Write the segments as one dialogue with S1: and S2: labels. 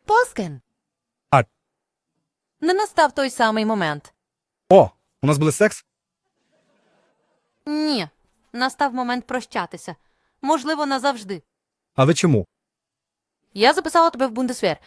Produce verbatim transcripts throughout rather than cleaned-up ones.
S1: Поскин.
S2: А.
S1: Не настав той самий момент.
S2: О, у нас буде секс?
S1: Ні. Настав момент прощатися. Можливо, назавжди.
S2: А ви чому?
S1: Я записала тебе в Бундесвер.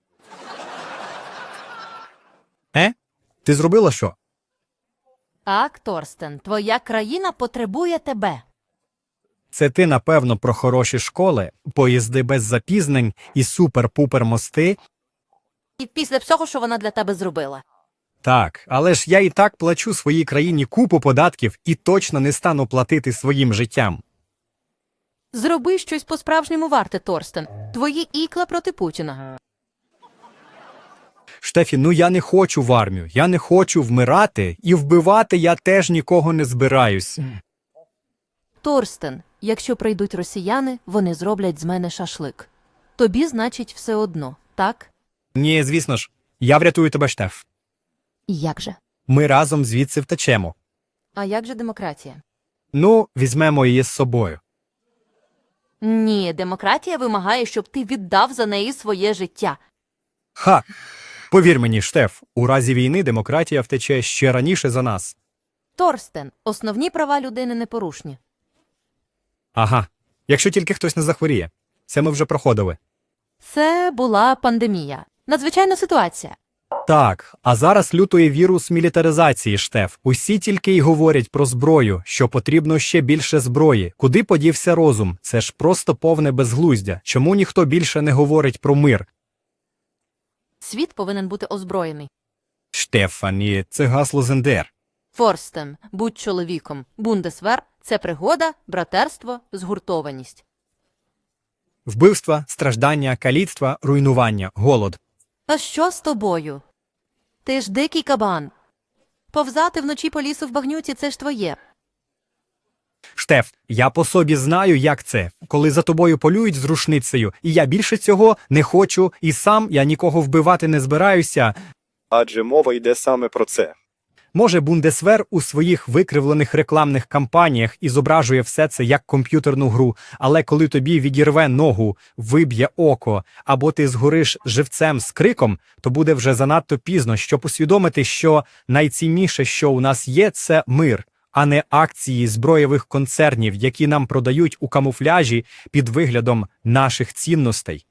S2: Е? Ти зробила що?
S1: Так, Торстен, твоя країна потребує тебе.
S2: Це ти, напевно, про хороші школи, поїзди без запізнень і супер-пупер мости?
S1: І після всього, що вона для тебе зробила.
S2: Так, але ж я і так плачу своїй країні купу податків і точно не стану платити своїм життям.
S1: Зроби щось по-справжньому варте, Торстен. Твої ікла проти Путіна.
S2: Штефі, ну я не хочу в армію, я не хочу вмирати, і вбивати я теж нікого не збираюсь.
S1: Торстен, якщо прийдуть росіяни, вони зроблять з мене шашлик. Тобі, значить, все одно, так?
S2: Ні, звісно ж, я врятую тебе, Штеф.
S1: Як же?
S2: Ми разом звідси втечемо.
S1: А як же демократія?
S2: Ну, візьмемо її з собою.
S1: Ні, демократія вимагає, щоб ти віддав за неї своє життя.
S2: Ха! Повір мені, Штеф, у разі війни демократія втече ще раніше за нас.
S1: Торстен, основні права людини непорушні.
S2: Ага, якщо тільки хтось не захворіє. Це ми вже проходили.
S1: Це була пандемія. Надзвичайна ситуація.
S2: Так, а зараз лютує вірус мілітаризації, Штеф. Усі тільки й говорять про зброю, що потрібно ще більше зброї. Куди подівся розум? Це ж просто повне безглуздя. Чому ніхто більше не говорить про мир?
S1: Світ повинен бути озброєний.
S2: Штефані, це гасло Зендер.
S1: Форстен, будь чоловіком. Бундесвер – це пригода, братерство, згуртованість.
S2: Вбивства, страждання, каліцтва, руйнування, голод.
S1: А що з тобою? Ти ж дикий кабан. Повзати вночі по лісу в багнюці – це ж твоє.
S2: Штеф, я по собі знаю, як це, коли за тобою полюють з рушницею, і я більше цього не хочу, і сам я нікого вбивати не збираюся.
S3: Адже мова йде саме про це.
S2: Може, Бундесвер у своїх викривлених рекламних кампаніях і зображує все це як комп'ютерну гру, але коли тобі відірве ногу, виб'є око, або ти згориш живцем з криком, то буде вже занадто пізно, щоб усвідомити, що найцінніше, що у нас є, це мир, а не акції зброєвих концернів, які нам продають у камуфляжі під виглядом наших цінностей.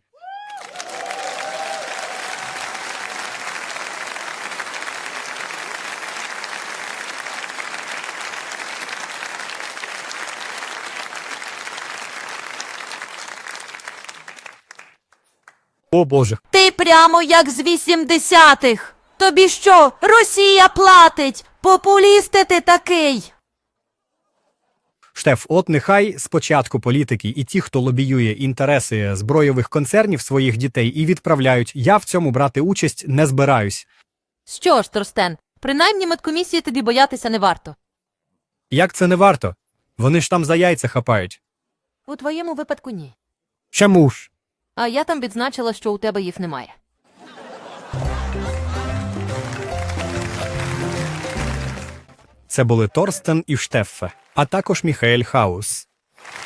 S2: О, Боже.
S1: Ти прямо як з вісімдесятих. Тобі що, Росія платить? Популісти ти такий.
S2: Штеф, от нехай спочатку політики і ті, хто лобіює інтереси збройових концернів своїх дітей і відправляють, я в цьому брати участь не збираюсь.
S1: Що ж, Торстен, принаймні медкомісії тобі боятися не варто.
S2: Як це не варто? Вони ж там за яйця хапають.
S1: У твоєму випадку ні.
S2: Чому ж?
S1: А я там відзначила, що у тебе їх немає.
S2: Це були Торстен і Штеффе, а також Міхаель Хаус.